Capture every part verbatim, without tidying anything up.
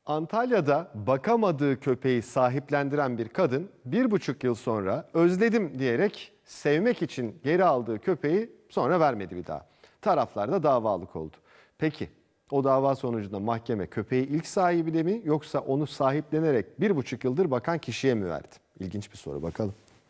Antalya'da bakamadığı köpeği sahiplendiren bir kadın bir buçuk yıl sonra özledim diyerek sevmek için geri aldığı köpeği sonra vermedi bir daha. Taraflar da davalık oldu. Peki o dava sonucunda mahkeme köpeği ilk sahibine mi yoksa onu sahiplenerek bir buçuk yıldır bakan kişiye mi verdi? İlginç bir soru, bakalım.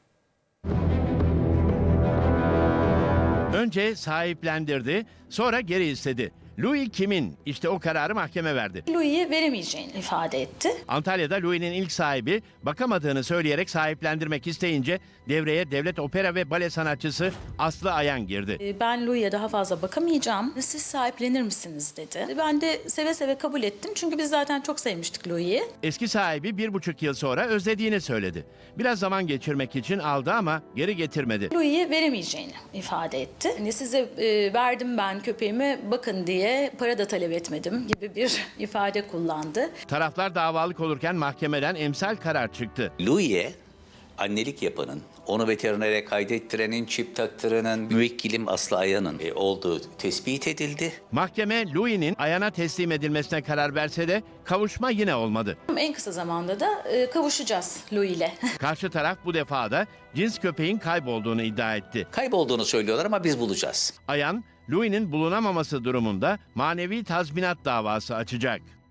Önce sahiplendirdi, sonra geri istedi. Louis kimin? İşte o kararı mahkeme verdi. Louis'e veremeyeceğini ifade etti. Antalya'da Louis'nin ilk sahibi bakamadığını söyleyerek sahiplendirmek isteyince devreye devlet opera ve bale sanatçısı Aslı Ayan girdi. Ee, Ben Louis'e daha fazla bakamayacağım. Siz sahiplenir misiniz dedi. Ben de seve seve kabul ettim. Çünkü biz zaten çok sevmiştik Louis'i. Eski sahibi bir buçuk yıl sonra özlediğini söyledi. Biraz zaman geçirmek için aldı ama geri getirmedi. Louis'e veremeyeceğini ifade etti. Hani size e, verdim ben köpeğimi bakın diye para da talep etmedim gibi bir ifade kullandı. Taraflar davalık olurken mahkemeden emsal karar çıktı. Louis'e annelik yapanın, onu veterinere kaydettirenin, çip taktıranın, müvekkilim Aslı Ayan'ın e, olduğu tespit edildi. Mahkeme Louis'nin Ayan'a teslim edilmesine karar verse de kavuşma yine olmadı. En kısa zamanda da e, kavuşacağız Louis'le. Karşı taraf bu defa da cins köpeğin kaybolduğunu iddia etti. Kaybolduğunu söylüyorlar ama biz bulacağız. Ayan, Louis'nin bulunamaması durumunda manevi tazminat davası açacak.